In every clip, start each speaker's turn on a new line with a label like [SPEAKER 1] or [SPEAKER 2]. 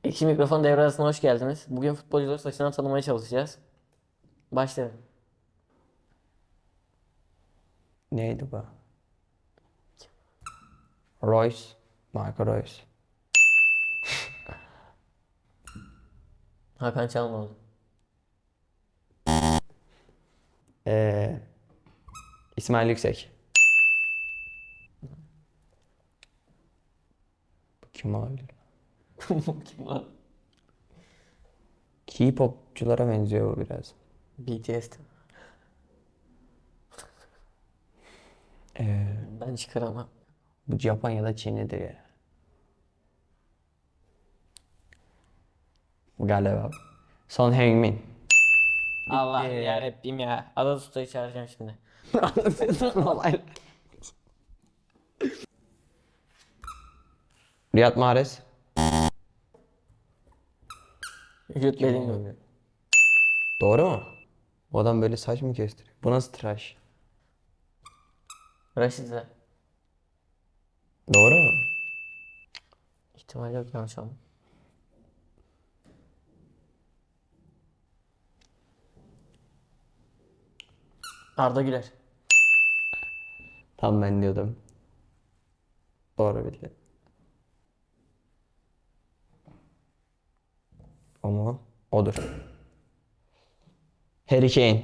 [SPEAKER 1] Ekşi Mikrofon devre arasına hoş geldiniz. Bugün futbolcuları saçından tanımaya çalışacağız. Başlayalım.
[SPEAKER 2] Neydi bu? Royce. Marco Royce.
[SPEAKER 1] Hakan Çalhanoğlu.
[SPEAKER 2] Ee, İsmail Yüksek. Bu kim olabilir?
[SPEAKER 1] Kim var?
[SPEAKER 2] K-popçulara benziyor bu biraz.
[SPEAKER 1] BTS.
[SPEAKER 2] Ee,
[SPEAKER 1] Ben çıkaramam.
[SPEAKER 2] Bu Japon ya da Çinlidir ya. Galiba. Son Heung-min.
[SPEAKER 1] Allah yarabbim ya. Ada Usta'yı çağıracağım şimdi.
[SPEAKER 2] Riyad Mahrez.
[SPEAKER 1] Jude Bellingham.
[SPEAKER 2] Doğru mu? Bu adam böyle saç mı kestiriyor? Bu nasıl tıraş?
[SPEAKER 1] Rashica.
[SPEAKER 2] Doğru mu?
[SPEAKER 1] İhtimal yok yanlış ama. Arda Güler.
[SPEAKER 2] Tam ben diyordum. Doğru bildi. Ama odur. Harry Kane.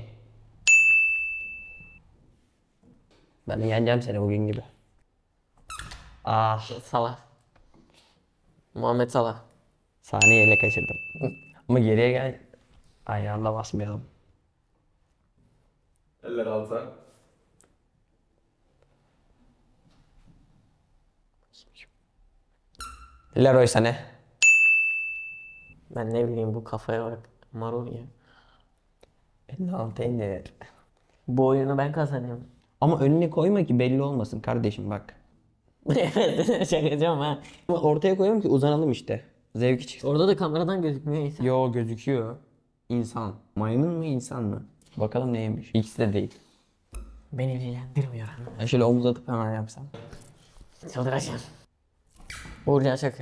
[SPEAKER 2] Ben yeneceğim seni bugün gibi. Ah,
[SPEAKER 1] Salah. Muhammed Salah.
[SPEAKER 2] saniyeyle kaçırdım. Ama geriye gel. Ayağında basmayalım.
[SPEAKER 3] Eller alta.
[SPEAKER 2] Leroy Sané.
[SPEAKER 1] Ben ne bileyim bu kafaya bak. Marul ya.
[SPEAKER 2] Ne altı.
[SPEAKER 1] Bu oyunu ben kazanıyorum.
[SPEAKER 2] Ama önüne koyma ki belli olmasın kardeşim bak.
[SPEAKER 1] Evet şakacağım ha.
[SPEAKER 2] Ama ortaya koyuyorum ki uzanalım işte. Zevki çıksın.
[SPEAKER 1] Orada da kameradan gözükmüyor insan.
[SPEAKER 2] Yo gözüküyor. İnsan. Maymun mu insan mı? Bakalım neymiş. İkisi de değil.
[SPEAKER 1] Beni ilgilendirmiyor.
[SPEAKER 2] Ben şöyle omuz atıp hemen yapsam.
[SPEAKER 1] Çıldıracağım. Uğurcan Çakır.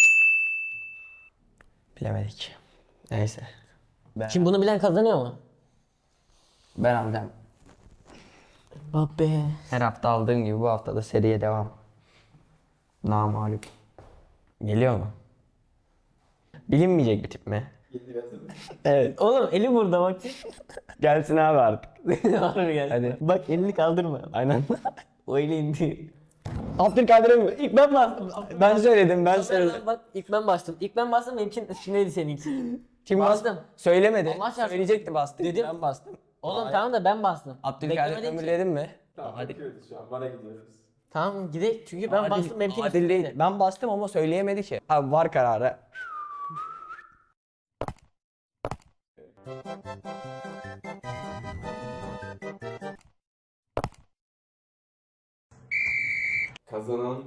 [SPEAKER 2] Bilemedik. Neyse.
[SPEAKER 1] Şimdi bunu bilen kazanıyor mu?
[SPEAKER 2] Ben alacağım.
[SPEAKER 1] Babbe.
[SPEAKER 2] Her hafta aldığım gibi bu hafta da seriye devam. Namağlup. Geliyor mu? Bilinmeyecek bir tip mi? Evet.
[SPEAKER 1] Oğlum eli burada bak.
[SPEAKER 2] Gelsin abi artık.
[SPEAKER 1] Harbi gel.
[SPEAKER 2] Hadi.
[SPEAKER 1] Bak elini kaldırma.
[SPEAKER 2] Aynen.
[SPEAKER 1] O eli indi.
[SPEAKER 2] Abdülkadir'e mi? İlk ben bastım. Ben söyledim, ben söyledim.
[SPEAKER 1] Bak ilk ben bastım. İlk ben bastım benimkin üstündeydi seninki.
[SPEAKER 2] Kim
[SPEAKER 1] Bastım.
[SPEAKER 2] Söylemedi.
[SPEAKER 1] Allah çarpsın.
[SPEAKER 2] Söyleyecekti bastı.
[SPEAKER 1] Dedim.
[SPEAKER 2] Ben bastım.
[SPEAKER 1] Oğlum tamam da ben bastım.
[SPEAKER 2] Abdülkadir
[SPEAKER 1] Beklemedin ki.
[SPEAKER 2] ömürledin mi?
[SPEAKER 3] Tamam,
[SPEAKER 2] Hadi.
[SPEAKER 3] bakıyoruz şu an. Bana gidiyoruz.
[SPEAKER 1] Tamam gidelim çünkü ben bastım benimkin
[SPEAKER 2] Adil
[SPEAKER 1] üstündeydi.
[SPEAKER 2] değil. Ben bastım ama söyleyemedi ki. Abi var kararı.
[SPEAKER 3] Kazanan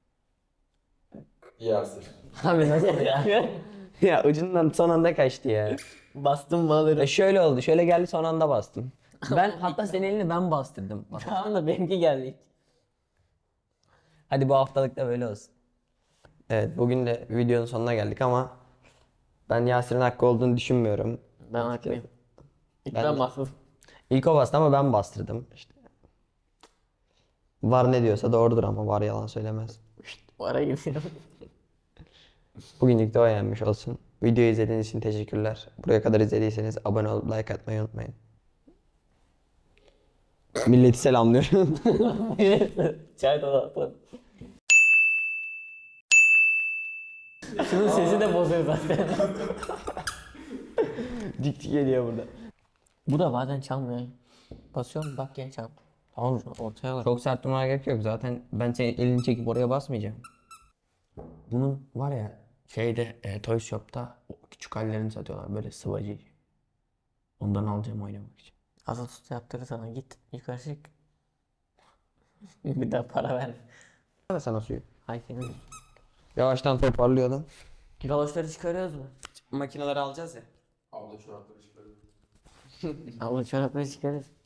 [SPEAKER 3] Yasir.
[SPEAKER 1] Abi nasıl ya?
[SPEAKER 2] Ya ucundan son anda kaçtı ya.
[SPEAKER 1] Bastım mı alırım.
[SPEAKER 2] Şöyle oldu. Şöyle geldi son anda bastım. Ben hatta senin elini ben bastırdım. Bak.
[SPEAKER 1] Tamam da benimki geldi.
[SPEAKER 2] Hadi bu haftalık da böyle olsun. Evet bugün de videonun sonuna geldik ama ben Yasir'in hakkı olduğunu düşünmüyorum.
[SPEAKER 1] Ben haklıyım. İlk
[SPEAKER 2] Ben
[SPEAKER 1] ben
[SPEAKER 2] de-
[SPEAKER 1] bastım.
[SPEAKER 2] İlk o bastı ama ben bastırdım. İşte. Var ne diyorsa doğrudur ama var yalan söylemez.
[SPEAKER 1] Bu ara gidiyorum.
[SPEAKER 2] Bugünlük de o yenmiş olsun. Videoyu izlediğiniz için teşekkürler. Buraya kadar izlediyseniz abone olup like atmayı unutmayın. Milleti selamlıyorum.
[SPEAKER 1] Çay dolapı. Şunun sesi de bozuyor zaten.
[SPEAKER 2] Dik dik geliyor burada.
[SPEAKER 1] Bu da bazen çalmıyor. Basıyorum bak gene çal.
[SPEAKER 2] Tamam.
[SPEAKER 1] Ortaya bak.
[SPEAKER 2] Çok sert durmaya gerek yok. Zaten ben senin elini çekip oraya basmayacağım. Bunun var ya şeyde Toy Shop'ta o küçük hallerini satıyorlar böyle sıvacı. Ondan alacağım oynamak için.
[SPEAKER 1] Azat Usta yaptırır sana git yukarı çık. Bir daha para ver.
[SPEAKER 2] Ver sana suyu.
[SPEAKER 1] Hay senin.
[SPEAKER 2] Yavaştan toparlıyordum.
[SPEAKER 1] Galoşları çıkarıyoruz mu?
[SPEAKER 2] Makineleri alacağız ya.
[SPEAKER 3] Abla çorapları çıkarıyor.
[SPEAKER 1] Allah çorapları çıkarırız.